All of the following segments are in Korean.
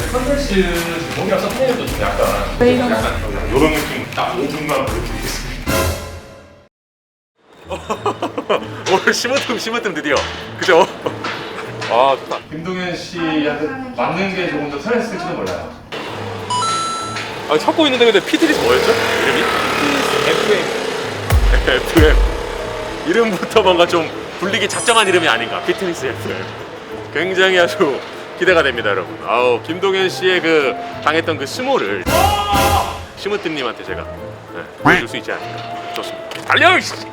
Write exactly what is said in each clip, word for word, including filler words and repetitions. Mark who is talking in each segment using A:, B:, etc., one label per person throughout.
A: 컨텐츠 제목이랑 서브네임도 좀 약간
B: 왜 이러나?
A: 약간 이런 느낌 딱 오 분만 보여드리겠습니다. 오늘 심으뜸 심으뜸 드디어 그죠? 아 좋다. 김동현 씨한테 맞는 게 조금 더 편했을지도 몰라요. 아 찾고 있는데 근데 피트니스 뭐였죠? 이름이? 에프엠. 에프엠. 이름부터 뭔가 좀 불리기 작정한 이름이 아닌가. 피트니스 에프엠. 굉장히 아주 기대가 됩니다, 여러분. 아우 김동현 씨의 그 당했던 그 스모를 심으뜸님한테 제가 네, 보여줄 수 있지 않을까. 좋습니다. 달려! 안녕하십니까.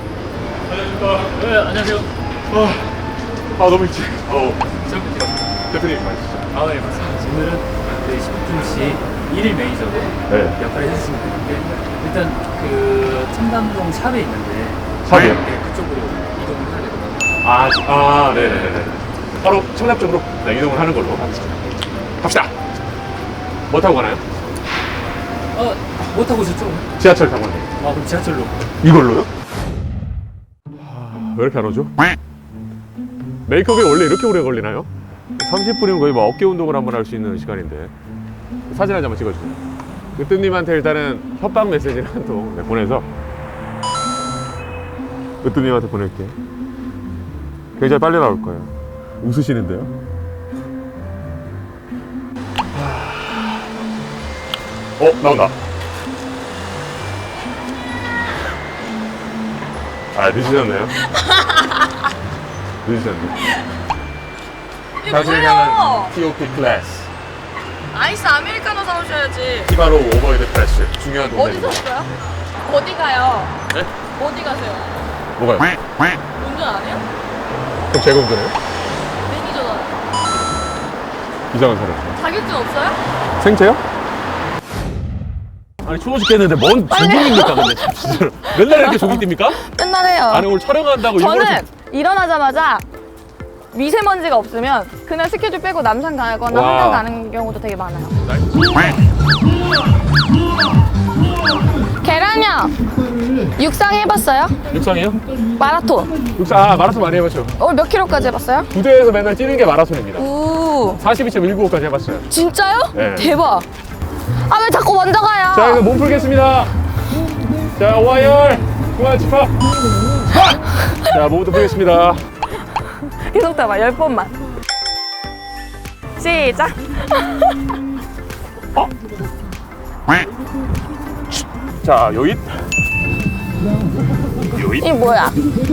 C: 네, 안녕하세요.
A: 아, 아 너무 일찍. 어우,
C: 시작부터.
A: 대표님 맞으시죠?
C: 아, 네, 맞습니다. 오늘은 저희 심으뜸 씨 일일 매니저로
A: 네.
C: 역할을 해주시면 되는데 일단 그 청담동 샵에 있는데
A: 샵이요?
C: 네, 그쪽으로 이동을 해야 되거든요.
A: 아, 아, 네네네. 바로 청담 쪽으로 네, 이동을 하는 걸로 하겠습니다. 갑시다. 뭐 타고 가나요?
C: 어, 뭐 타고 오셨죠?
A: 지하철 타고 가요.
C: 아, 그럼 지하철로.
A: 이걸로요? 왜 이렇게 안 오죠? 메이크업이 원래 이렇게 오래 걸리나요? 삼십 분이면 거의 뭐 어깨 운동을 한번 할 수 있는 시간인데 사진 한 장만 찍어주세요. 으뜸님한테 일단은 협박 메시지를 한 통 네, 보내서 으뜸님한테 보낼게요. 굉장히 빨리 나올 거예요. 웃으시는데요? 어? 나온다. 아, 늦으셨네요. 늦으셨네.
B: 이게 뭐예요?
A: 티오피 클래스.
B: 아이스 아메리카노 사오셔야지.
A: 티바로 오버헤드 프레스. 중요한 동작입니다.
B: 어디서 써요? 어디 가요?
A: 네?
B: 어디 가세요?
A: 뭐가요?
B: 운전 안 해요?
A: 그럼 제가 운전해요?
B: 매니저잖아요.
A: 이상한 사람.
B: 자격증 없어요?
A: 생체요? 아니 추워 죽겠는데 뭔 조깅입니까 근데 진짜로 맨날 이렇게 조깅 뜁니까?
B: 맨날 해요.
A: 아니 오늘 촬영한다고 일부러
B: 저는 일어나자마자 미세먼지가 없으면 그날 스케줄 빼고 남산 가거나
A: 와.
B: 한강 가는 경우도 되게 많아요. 계란형 육상 해봤어요?
A: 육상이요?
B: 마라톤.
A: 육상 아 마라톤 많이 해봤죠.
B: 오늘 몇 킬로까지 해봤어요?
A: 부대에서 맨날 뛰는 게 마라톤입니다.
B: 우
A: 사십이 점 일구오까지 해봤어요.
B: 진짜요?
A: 네.
B: 대박. 아 왜 자꾸 먼저 가요?
A: 자 이거 몸 풀겠습니다. 자 오하열 중앙 집합. 자 몸부터 풀겠습니다.
B: 계속 잡아 열 번만. 시작.
A: 어? 자 요잇 요잇
B: 이 뭐야?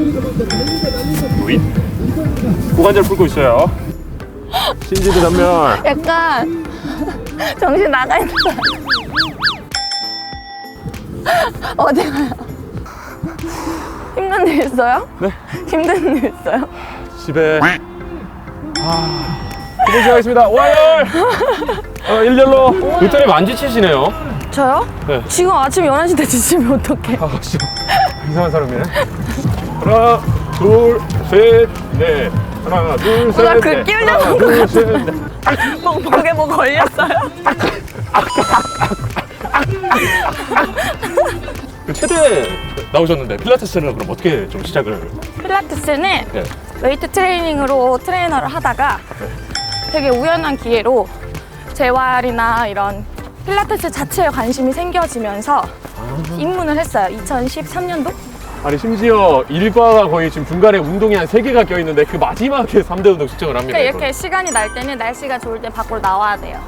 A: 요잇 고관절 풀고 있어요. 신지도 전멸.
B: 약간 정신 나가 있는 사람. 어디 가요? 힘든 일 있어요?
A: 네?
B: 힘든 일 있어요?
A: 집에 아 수고 시작하겠습니다. 오하열 어, 일렬로 루테님 안 지치시네요.
B: 저요?
A: 네.
B: 지금 아침 열한 시 때 지치면 어떡해?
A: 아 진짜 이상한 사람이네. 하나 둘셋넷 하나
B: 나
A: 둘셋넷
B: 그 끼우려고
A: 하나 둘셋넷
B: 목, 목에 뭐 걸렸어요?
A: 그 최대 나오셨는데 필라테스는 그럼 어떻게 좀 시작을?
B: 필라테스는
A: 네.
B: 웨이트 트레이닝으로 트레이너를 하다가 되게 우연한 기회로 재활이나 이런 필라테스 자체에 관심이 생겨지면서 입문을 했어요. 이천십삼 년도?
A: 아니 심지어 일과가 거의 지금 중간에 운동이 한 세 개가 껴있는데 그 마지막에 삼 대 운동 측정을 합니다.
B: 그러니까
A: 이걸.
B: 이렇게 시간이 날 때는 날씨가 좋을 때 밖으로 나와야 돼요.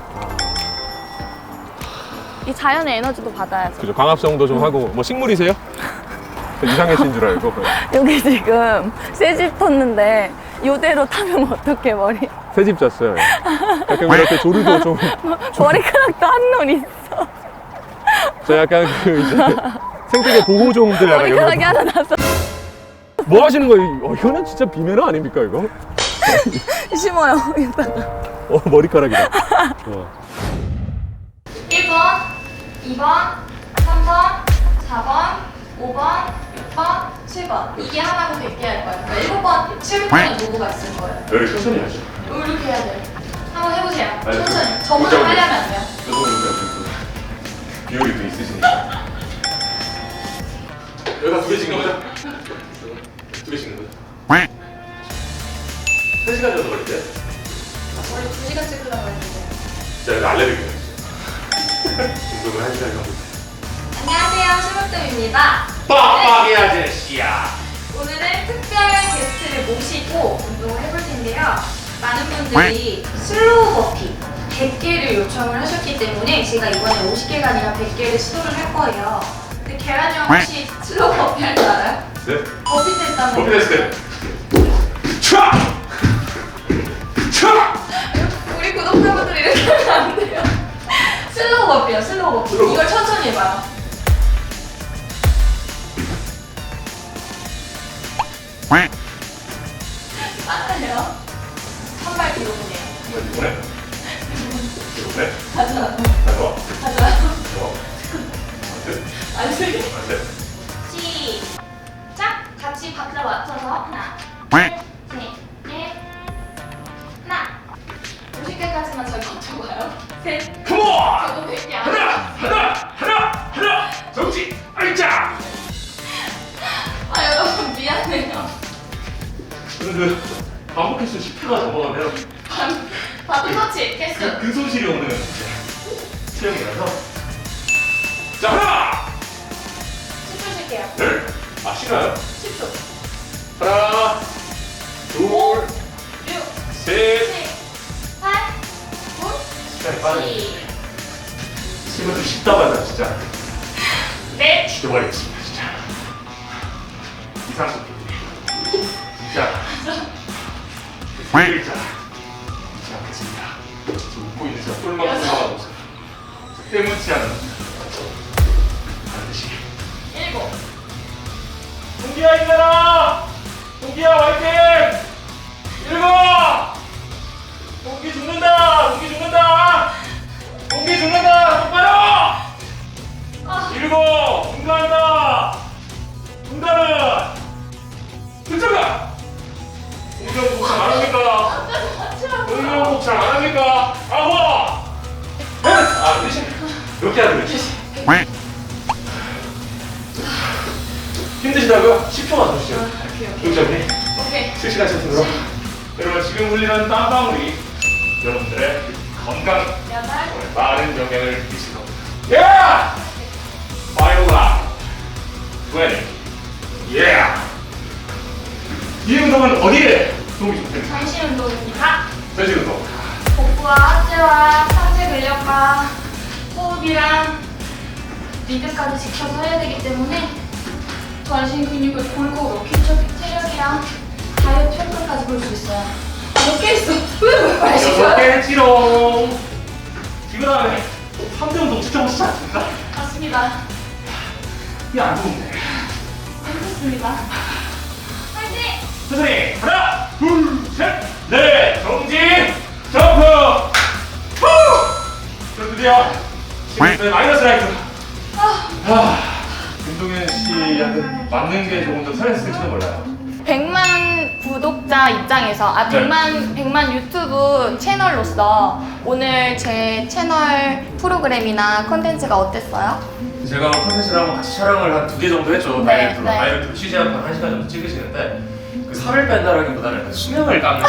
B: 이 자연의 에너지도 받아야죠.
A: 그죠. 광합성도 좀 하고 뭐 식물이세요? 이상해진 줄 알고
B: 여기 지금 새집 텄는데 이대로 타면 어떡해 머리.
A: 새집 잤어요. 약간 이렇게 조르도 좀
B: 머리카락도 한올 있어.
A: 저 약간 그 이제 생태계 보호종들 약간 이런
B: 머리카락이 하나 났어.
A: 뭐 하시는 거예요? 어, 이거는 진짜 비매너 아닙니까 이거?
B: 심어요 이따가.
A: 어 머리카락이다. 어.
B: 일 번, 이 번, 삼 번, 사 번, 오 번, 육 번, 칠 번. 이게 하나고 백 개 할 거예요. 그러니까 일곱 번, 칠 번에 노고가 있을 거예요.
A: 여기 천천히 하죠.
B: 이렇게 해야 돼요. 한번 해보세요.
A: 알겠습니다.
B: 천천히. 저보다 빨리 하면 안 돼요.
A: 비율이 또 있으시니까. 여기다 두 개 찍는 거죠? 두 개 찍는 거죠? 세 시간 정도 걸리대요?
B: 원래 두 시간 찍으려고 했는데.
A: 진짜 이거 알레르기네. 운동을 한 시간 정도.
B: 안녕하세요, 심으뜸입니다.
A: 빡빡이 아저씨야.
B: 오늘은 특별 게스트를 모시고 운동을 해볼 텐데요. 많은 분들이 슬로우 버피 백 개를 요청을 하셨기 때문에 제가 이번에 오십 개가 아니라 백 개를 시도를 할 거예요. 근데 계란이 형 혹시 슬로우 버피 할 줄 알아요?
A: 네?
B: 버피 테스트 한번
A: 버피 테스트. 촤! 촤!
B: 우리 구독자분들 이렇게 하면 안 돼요. 슬로우 버피요, 슬로우 버피.
A: 슬로우
B: 이걸 천천히 해봐요. 맞아요. 한 발 뒤로 보내요.
A: 이번에? 이번에?
B: 가자.
A: 가져와.
B: 가자.
A: 좋아. 안 돼?
B: 안 돼.
A: 안 돼.
B: 시작! 같이 박자 맞춰서 하나, 둘, 셋, 넷, 하나. 오십 개까지만 잘 버텨봐요. 셋.
A: 컴온!
B: 저도 백 개 안
A: 하나!
B: 해요.
A: 하나! 하나! 하나! 정지! 알자!
B: 아 여러분 미안해요.
A: 저는 그 반복 횟수 십 회가 넘어가면
B: 반, 바둑 터치
A: 그
B: 개수.
A: 근손실이 오는 체형이라서. 자, 하나!
B: 십 초 쉴게요.
A: 둘! 아, 싫어요?
B: 십 초.
A: 하나, 둘,
B: 육,
A: 셋.
B: 칠, 팔,
A: 시간이
B: 구,
A: 빠르네.
B: 십.
A: 지금 좀 쉽다마자 진짜
B: 넷.
A: 죽여버리겠습니다, 진짜. 이상식 진짜. 일자. 진짜 않겠습니다. 지금 웃고 있는 제가 똘망 똘망하고 있어요. 때문치 않은 반드시.
B: 일곱.
A: 동기야 힘내라! 동기야 화이팅! 일곱! 동기 죽는다! 동기 죽는다! 동기 죽는다! 똑바로!
B: 아.
A: 일곱! 응가한다! 응가는 들쳐가! 공정 복장 안 합니까? 공정 복장 안 합니까? 아홉! 넷! 아, 대신 이렇게 하는 거지. 힘드시다고요? 십 초만 더 주시죠. 구독자분이
B: 오케이.
A: 실시간 채팅으로 여러분 지금 흘리는 땀방울이 여러분들의 건강
B: 여덟.
A: 많은 영향을 미칠 겁니다. 예! 파이브라 이십 예! 이 운동은 어디에 도움이 좀 됩니까?
B: 전신 운동입니다.
A: 전신 운동.
B: 복부와 하체와 상체 근력과 호흡이랑 리듬까지 지켜서 해야 되기 때문에 전신 근육을 골고루 기초 체력이랑 다이어트 효과까지 볼 수 있어요. 몇 개 있어? 왜왜
A: 여섯
B: 마시고요?
A: 개 했지롱. 그 다음에 삼 대 운동 지켜보시지 않습니까?
B: 맞습니다.
A: 이게 안 좋은데.
B: 재밌습니다. 화이팅!
A: 천천히 하나 둘셋넷 정지 점프 후! 자, 드디어 지금 마이너스 라이트.
B: 아,
A: 아, 김동현 씨한테 맞는 게 조금 더 스트레스일지도 몰라요.
B: 백만 구독자 입장에서 아
A: 네.
B: 백만 백만 유튜브 채널로서 오늘 제 채널 프로그램이나 컨텐츠가 어땠어요?
A: 제가 컨텐츠를 한번 같이 촬영을 한 두 개 정도 했죠.
B: 네,
A: 다이어트로.
B: 네.
A: 다이어트로 취재 한번 한 시간 정도 찍으시는데 그 살을 뺀다라기보다는 그 수명을 깎는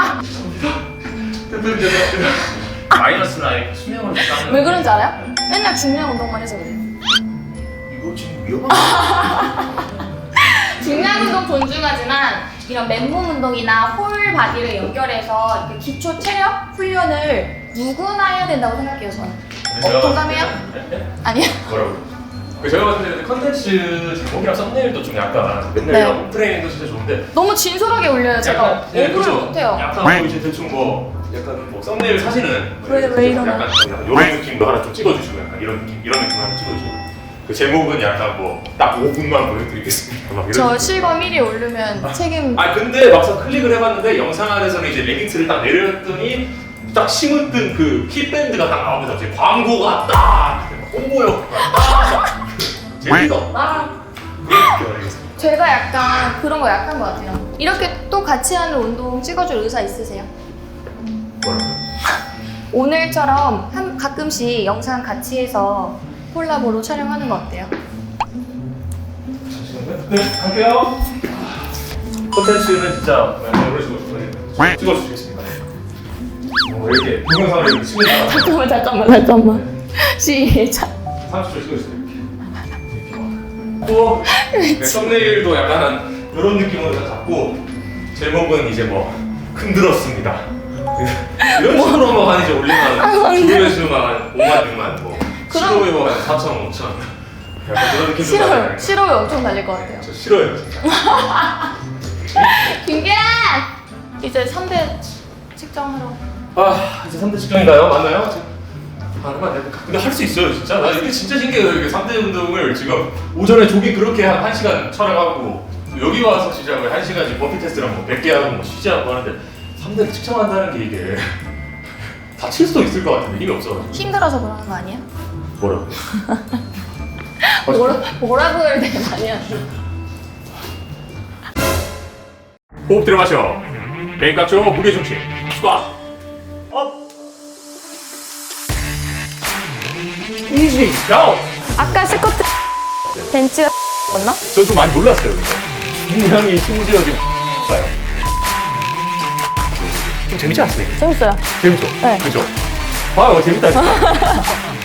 A: 거예요. 마이너스 라이트 수명을 깎는.
B: 왜 그런지 알아요? 맨날 중량 운동만 해서 그래요.
A: 이거 지금 위험한
B: 중량 운동 존중하지만 이런 맨몸 운동이나 홀 바디를 연결해서 이렇게 기초 체력 훈련을 누구나 해야 된다고 생각해요 저는. 어, 동감해요? 아니요.
A: 뭐라고? 그 제가 봤을 때 컨텐츠 제목이랑 썸네일도 좀 약간 맨날
B: 네.
A: 이런 홈 트레이닝도 진짜 좋은데
B: 너무 올려요 제가.
A: 예,
B: 오브를
A: 그죠?
B: 못해요.
A: 약간 뭐 이제 대충 뭐 약간 뭐 썸네일 사진은
B: 왜, 왜 이러나?
A: 약간 이런 느낌도 하나 좀 찍어주시고 약간 이런 느낌 이런 느낌 하나 찍어주시고 그 제목은 약간 뭐 딱 오 분만 보여드리겠습니다. 막 이런
B: 저
A: 느낌.
B: 실검 일 위 오르면 책임.
A: 아 근데 막상 클릭을 해봤는데 영상 안에서는 이제 레깅스를 딱 내렸더니 딱 심으뜬 그 힙밴드가 딱 나오면서 이제 광고가 딱 홍보효과가 딱 재미가 없다 그런 느낌을 알겠습니다.
B: 제가 약간 그런 거 약한 것 같아요. 이렇게 또 같이 하는 운동 찍어줄 의사 있으세요?
A: 뭐라고요?
B: 오늘처럼 한 가끔씩 영상 같이 해서 콜라보로 촬영하는 거 어때요?
A: 잠시만요. 네, 갈게요. 콘텐츠는 진짜 이런 식으로 찍어주시겠습니다. 이렇게 동영상을 이렇게 찍는
B: 잠깐만 잠깐만 잠깐만. 시작.
A: 삼십 초 찍어주세요. 또 네, 썸네일도 약간 이런 느낌으로 잡고 제목은 이제 뭐 흔들었습니다. 이런 식으로 뭐 한 이제 올리면 조회수만 한 오만 육만 뭐
B: 그럼-
A: 싫어요 한 사천 오천 약간 그런 느낌으로
B: 싫어요.
A: 가잖아요.
B: 싫어요. 엄청 달릴 것 같아요.
A: 저 싫어요 진짜.
B: 김계란! 이제 삼 대 측정하러.
A: 아 이제 삼 대 측정인가요? 맞나요? 아, 그만 해볼까? 근데 할 수 있어요 진짜. 나 이게 진짜 신기해요. 이게 삼 대 운동을 지금 오전에 조깅 그렇게 한 1시간 촬영하고 여기 와서 시작을 한 시간씩 버피 테스트랑 뭐 백 개 하고 뭐 쉬지 않고 하는데 삼 대를 측정한다는 게 이게 다칠 수도 있을 것 같은데 힘이 없어가지고.
B: 힘들어서 그러는 거 아니에요?
A: 뭐라고?
B: 뭐라, 뭐라고 해야 되는 거 아니야?
A: 호흡 들어 마셔. 메인 각조 무게 중심. 스쿼트. 업. 이지 다운.
B: 아까 스쿼트 벤치가 맞나?
A: 저 좀 많이 놀랐어요. 분명히 심지어 지금 봐요. 좀 재밌지 않습니까?
B: 재밌어요.
A: 재밌죠?
B: 네.
A: 그죠? 봐요 재밌다 진짜.